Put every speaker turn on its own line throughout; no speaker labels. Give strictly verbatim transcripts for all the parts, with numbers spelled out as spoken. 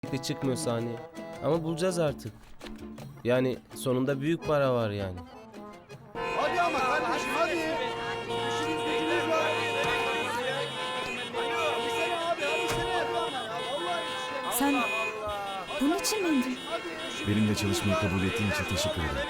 de çıkmıyor sahneye. Ama bulacağız artık. Yani sonunda büyük para var yani.
Hadi ama kardeşim hadi. İşiniz gücünüz var. Hadi sene abi hadi sene. Vallahi işte.
Sen bunun için mi indin?
Benimle çalışmayı kabul ettiğin için teşekkür ederim.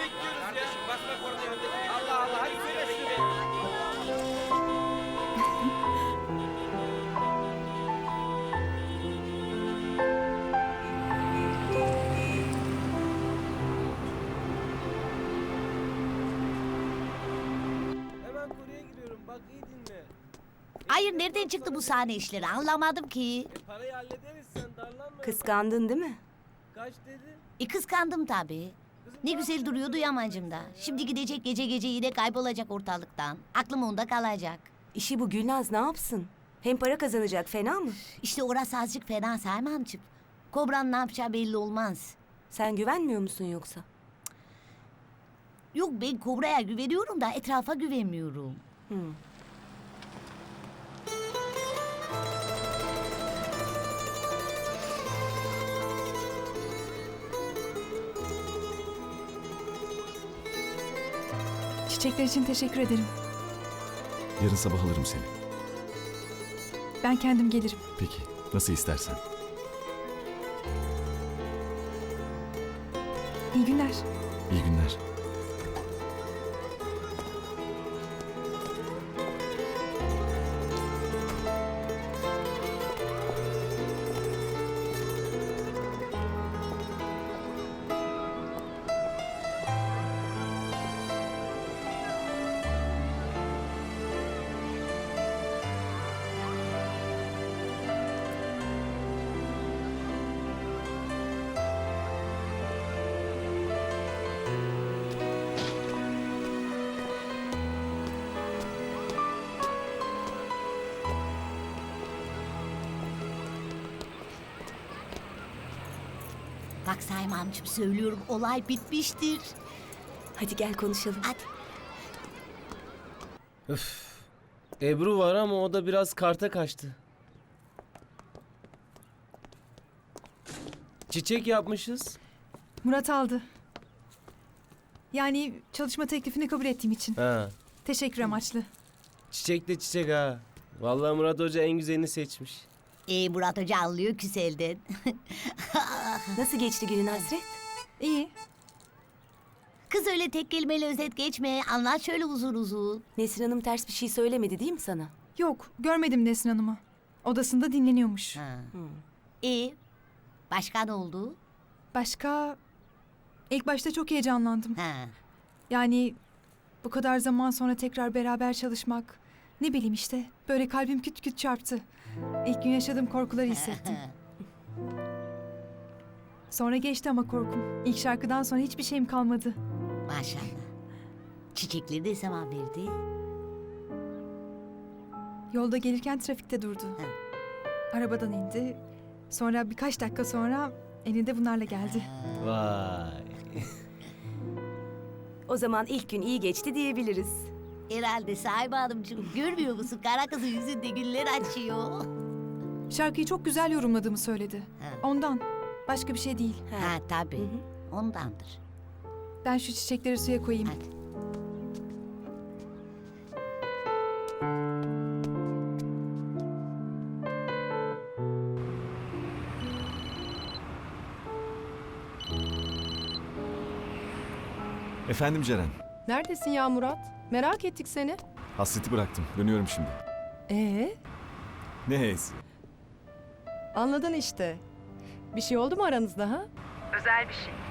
Hemen konuya giriyorum. Bak iyi dinle.
Hayır, nereden çıktı bu sahne işleri anlamadım ki.
E, parayı hallederiz, sen darlanma.
Kıskandın değil mi?
Kaç dedi?
E kıskandım tabii. Ne güzel duruyordu Yamancım da. Şimdi gidecek gece gece yine kaybolacak ortalıktan. Aklım onda kalacak.
İşi bu Gülnaz ne yapsın? Hem para kazanacak fena mı?
İşte orası azıcık fena Selman'cığım. Kobra'nın ne yapacağı belli olmaz.
Sen güvenmiyor musun yoksa?
Yok, ben Kobra'ya güveniyorum da etrafa güvenmiyorum.
Hı.
Çiçekler için teşekkür ederim.
Yarın sabah alırım seni.
Ben kendim gelirim.
Peki, nasıl istersen.
İyi günler.
İyi günler.
Bak Selman'cığım, söylüyorum, olay bitmiştir.
Hadi gel konuşalım.
Hadi.
Öf. Ebru var ama o da biraz karta kaçtı. Çiçek yapmışız.
Murat aldı. Yani çalışma teklifini kabul ettiğim için.
Ha.
Teşekkür amaçlı.
Çiçek de çiçek ha. Vallahi Murat Hoca en güzelini seçmiş.
E Murat Hoca anlıyor küselden.
Nasıl geçti günün Hasret?
İyi.
Kız öyle tek kelimeyle özet geçme. Anlat şöyle uzun uzun.
Nesrin Hanım ters bir şey söylemedi değil mi sana?
Yok, görmedim Nesrin Hanım'ı. Odasında dinleniyormuş.
Ha. E başka ne oldu?
Başka... İlk başta çok heyecanlandım.
Ha.
Yani bu kadar zaman sonra tekrar beraber çalışmak... Ne bileyim işte, böyle kalbim küt küt çarptı. İlk gün yaşadığım korkuları hissettim. Sonra geçti ama korkum. İlk şarkıdan sonra hiçbir şeyim kalmadı.
Maşallah. Çiçekleri de zaman verdi.
Yolda gelirken trafikte durdu.
Ha.
Arabadan indi. Sonra birkaç dakika sonra elinde bunlarla geldi.
Vay.
O zaman ilk gün iyi geçti diyebiliriz.
Herhalde Sahibe Hanımcığım, görmüyor musun? Kara kızın yüzünde güller açıyor.
Şarkıyı çok güzel yorumladığımı söyledi.
Ha.
Ondan. Başka bir şey değil.
Ha tabii.
Hı hı.
Ondandır.
Ben şu çiçekleri suya koyayım.
Hadi.
Efendim Ceren,
Neredesin ya Murat? Merak ettik seni.
hasreti bıraktım. Dönüyorum şimdi.
Ee,
Ne hez?
anladın işte. Bir şey oldu mu aranızda ha?
Özel bir şey.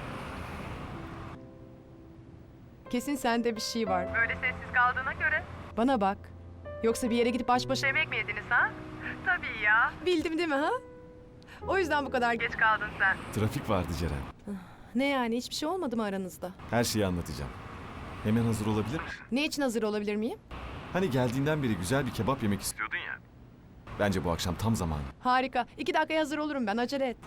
Kesin sende bir şey var.
Böyle sessiz kaldığına göre
Bana bak. Yoksa bir yere gidip baş başa...
yemek mi yediniz ha? Tabii ya.
Bildim değil mi ha? O yüzden bu kadar geç.
Geç kaldın sen.
Trafik vardı Ceren.
Ne yani, hiçbir şey olmadı mı aranızda?
Her şeyi anlatacağım. Hemen hazır olabilir misin?
Ne için hazır olabilir miyim?
Hani geldiğinden beri güzel bir kebap yemek istiyordun ya. Bence bu akşam tam zamanı.
Harika. İki dakikaya hazır olurum ben, acele et.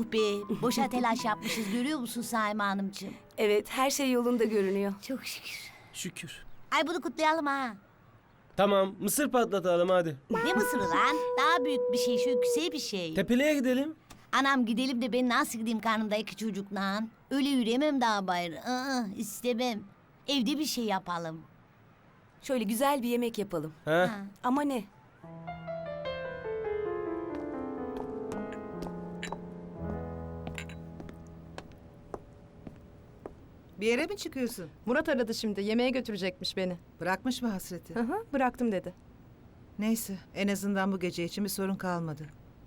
Yuh be, boşa telaş yapmışız görüyor musun Saime Hanımcığım?
Evet, her şey yolunda görünüyor.
Çok şükür.
Şükür.
Ay bunu kutlayalım ha.
Tamam, mısır patlatalım hadi.
Ne mısırı lan? Daha büyük bir şey, şu güzel bir şey.
Tepeliğe gidelim.
Anam gidelim de ben nasıl gideyim karnımda iki çocuk lan? Öyle yürüyemem daha bayır. Aa, istemem. Evde bir şey yapalım.
Şöyle güzel bir yemek yapalım.
Ha?
Ha.
Ama ne?
Bir yere mi çıkıyorsun?
Murat aradı şimdi. Yemeğe götürecekmiş beni.
Bırakmış mı hasreti?
Hı hı, bıraktım dedi.
Neyse, en azından bu gece için bir sorun kalmadı.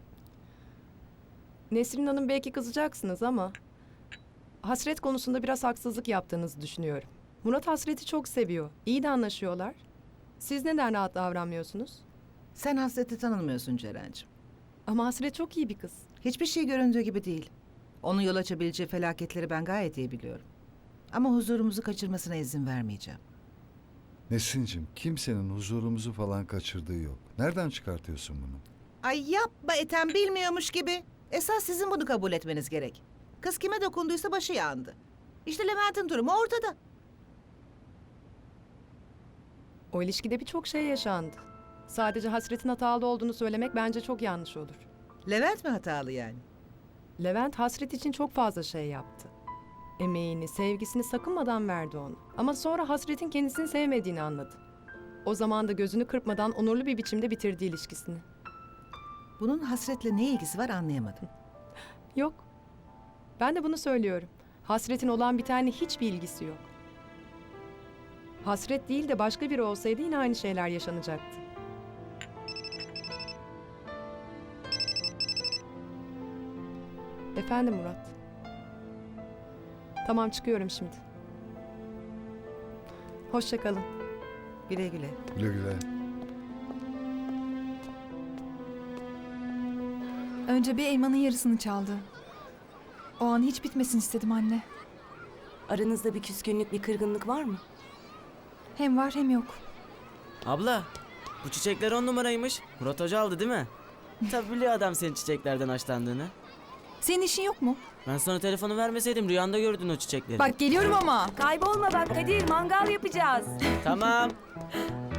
Nesrin Hanım belki kızacaksınız ama... Hasret konusunda biraz haksızlık yaptığınızı düşünüyorum. Murat Hasret'i çok seviyor. İyi de anlaşıyorlar. Siz neden rahat davranmıyorsunuz?
Sen hasreti tanımıyorsun Ceren'cim.
Ama Hasret çok iyi bir kız.
Hiçbir şey göründüğü gibi değil. Onun yol açabileceği felaketleri ben gayet iyi biliyorum. Ama huzurumuzu kaçırmasına izin vermeyeceğim.
Nesin'cim kimsenin huzurumuzu falan kaçırdığı yok. Nereden çıkartıyorsun bunu?
Ay yapma Ethem, bilmiyormuş gibi. Esas sizin bunu kabul etmeniz gerek. Kız kime dokunduysa başı yandı. İşte Levent'in durumu ortada.
O ilişkide birçok şey yaşandı. Sadece Hasret'in hatalı olduğunu söylemek bence çok yanlış olur.
Levent mi hatalı yani?
Levent Hasret için çok fazla şey yaptı. Emeğini, sevgisini sakınmadan verdi ona. Ama sonra Hasret'in kendisini sevmediğini anladı. O zaman da gözünü kırpmadan onurlu bir biçimde bitirdi ilişkisini.
Bunun hasretle ne ilgisi var anlayamadım.
Yok. Ben de bunu söylüyorum. Hasret'in olan bitenle hiçbir ilgisi yok. Hasret değil de başka biri olsaydı yine aynı şeyler yaşanacaktı. Efendim Murat. Tamam çıkıyorum şimdi. Hoşça kalın.
Güle güle.
Güle güle.
Önce bir elmanın yarısını çaldı. O an hiç bitmesin istedim anne.
Aranızda bir küskünlük, bir kırgınlık var mı?
Hem var hem yok.
Abla, bu çiçekler on numaraymış. Murat Hoca aldı değil mi? Tabii biliyor adam senin çiçeklerden hoşlandığını.
Senin işin yok mu?
Ben sana telefonu vermeseydim rüyanda gördün o çiçekleri.
Bak geliyorum ama.
Kaybolma bak Kadir, mangal yapacağız.
Tamam.